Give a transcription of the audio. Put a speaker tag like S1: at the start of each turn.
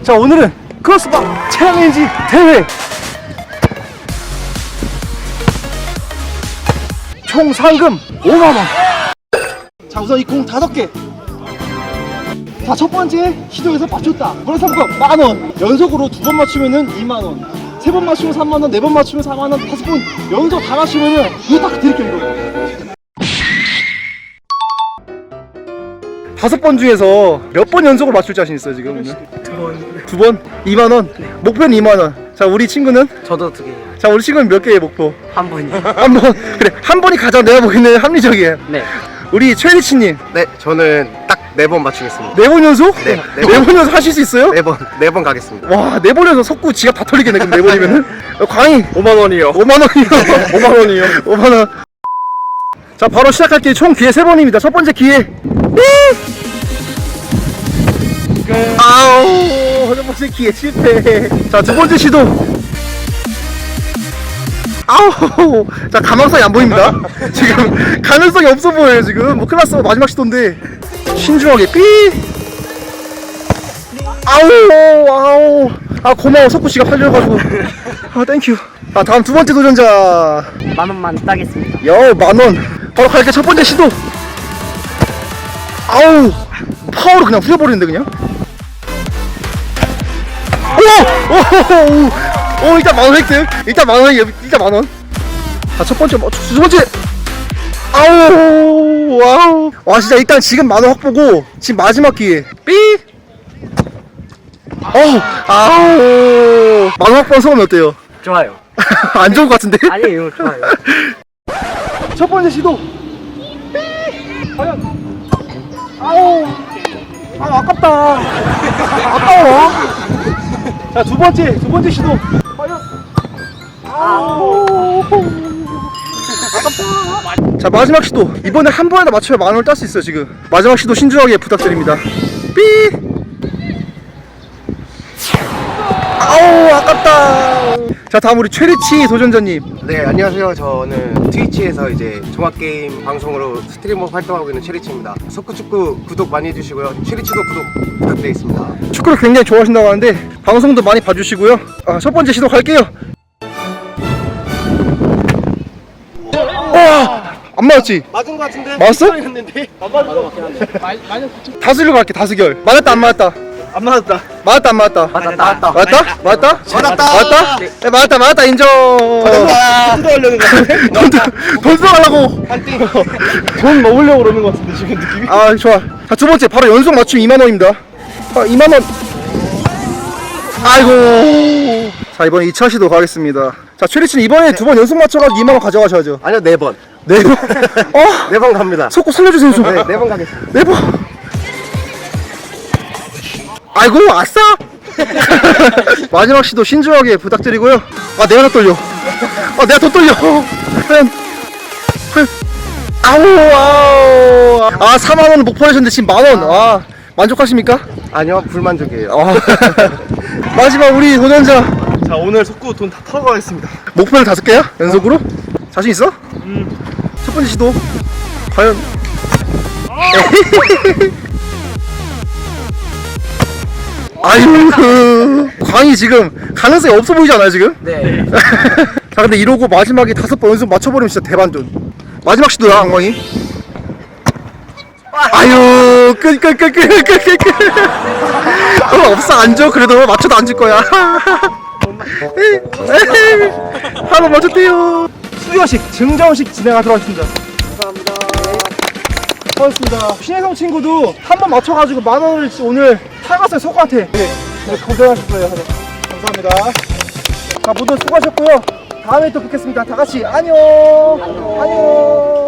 S1: 자, 오늘은 크로스바 챌린지 대회 총 상금 5만원. 자, 우선 이 공 5개. 자, 첫 번째 시도에서 맞췄다. 그런 상금 만원. 연속으로 2번 맞추면은 2만원. 3번 맞추면 3만원, 4번 맞추면 4만원, 5번 연속 다 맞추면은 이거 딱 드릴게요, 이거. 5번 중에서 몇 번 연속으로 맞출 자신 있어요, 지금?
S2: 2번.
S1: 2번? 2만원? 네. 목표는 2만원. 자, 우리 친구는?
S2: 저도 2개.
S1: 자, 우리 친구는 몇 개의 목표?
S2: 한 번이요.
S1: 한 번. 그래, 한 번이 가장 내가 보기에는 합리적이에요.
S2: 네.
S1: 우리 최리치님.
S3: 네, 저는 딱 4번 맞추겠습니다.
S1: 4번 연속?
S3: 네,
S1: 4번 연속 하실 수 있어요?
S3: 4번 가겠습니다.
S1: 와, 4번 연속 석구 지갑 다 털리겠네, 그럼 4번이면은? 광희.
S3: 5만원이요.
S1: 5만원이요. 5만원이요. 5만원. 자, 바로 시작할게요. 총 기회 3번입니다. 첫 번째 기회. 아우, 첫 번째 기회 실패. 자, 두 번째 시도. 아우, 자, 가망성이 안 보입니다. 지금 가능성이 없어 보여요. 지금 뭐 클라스 마지막 시도인데 신중하게 삐. 아우, 아, 고마워. 석구 씨가 팔려가지고. 아, 땡큐. 아, 다음 두 번째 도전자.
S2: 10,000원 따겠습니다.
S1: 여, 10,000원. 바로 갈게. 첫 번째 시도. 아우, 파워로 그냥 후려버리는데 그냥. 오, 일단 10,000원 획득. 일단 10,000원. 자, 첫 번째, 두 번째. 아우, 와우. 와, 진짜 일단 지금 10,000원 확보고 지금 마지막 기회. 삐. 아우. 10,000원 확보한 소감이 어때요?
S2: 좋아요.
S1: 안 좋은 것 같은데?
S2: 아니에요, 좋아요.
S1: 첫 번째 시도. 삐. 과연. 아우. 아, 아깝다. 아까워. 자, 두 번째 시도. 과연. 아우. 아깝다. 자, 마지막 시도. 이번에 한 번에 다 맞춰야 10,000원을 딸 수 있어요, 지금. 마지막 시도 신중하게 부탁드립니다. 삐. 아우, 아깝다. 자, 다음 우리 최리치 도전자님.
S3: 네, 안녕하세요. 저는 트위치에서 이제 종합게임 방송으로 스트리머 활동하고 있는 체리치입니다. 석구축구 구독 많이 해주시고요. 체리치도 구독 부탁드리겠습니다.
S1: 축구를 굉장히 좋아하신다고 하는데 방송도 많이 봐주시고요. 아, 첫 번째 시도 갈게요. 와, 안 맞았지?
S3: 맞은 것 같은데?
S1: 맞았어?
S3: 했는데?
S1: 다수결로 갈게. 다수결. 맞았다 안 맞았다?
S3: 안 맞았다.
S1: 맞았다 안 맞았다?
S2: 맞았다.
S1: 맞았다? 맞았다?
S3: 맞았다.
S1: 맞았다? 네, 맞았다 인정.
S3: 뜯어가려는 거 같은데?
S1: 돈 써가려고.
S3: 돈 먹으려고 그러는 것 같은데 지금 느낌이?
S1: 아, 좋아. 자, 두 번째 바로 연속 맞춤 2만원입니다. 아, 2만원. 아이고. 자, 이번에 2차 시도 가겠습니다. 자, 최리치는 이번에 2번 연속 맞춰가지고 2만원 가져가셔야죠.
S3: 아니요, 4번.
S1: 네 번.
S3: 4번 갑니다.
S1: 속고 살려주세요 좀.
S3: 네, 4번 가겠습니다.
S1: 네 번. 아이고, 아싸. 마지막 시도 신중하게 부탁드리고요. 아, 내가 더 떨려. 아, 내가 더 떨려. 과연. 아우. 아, 4만원을 목표 하셨는데 지금 만원. 아, 만족하십니까?
S3: 아니요, 불만족이에요.
S1: 아. 마지막 우리 도전자.
S3: 자, 오늘 석구 돈 다 털어 가겠습니다.
S1: 목표는 5개야? 연속으로? 자신 있어? 첫 번째 시도. 과연. 아유, 광희 지금 가능성이 없어 보이지 않아요, 지금?
S2: 네.
S1: 자, 근데 이러고 마지막에 5번 연속 맞춰버리면 진짜 대반전. 마지막 시도야, 광희. 아유, 끝. 없어, 안 줘. 그래도 맞춰도 안 줄 거야. 하나 맞췄대요. 수여식, 증정식 진행하도록 하겠습니다. 감사합니다. 고맙습니다. 신혜성 친구도 한 번 맞춰가지고 10,000원을 오늘 타갔어요, 석구한테. 네, 고생하셨어요. 감사합니다. 자, 모두 수고하셨고요. 다음에 또 뵙겠습니다. 다 같이 안녕. 안녕.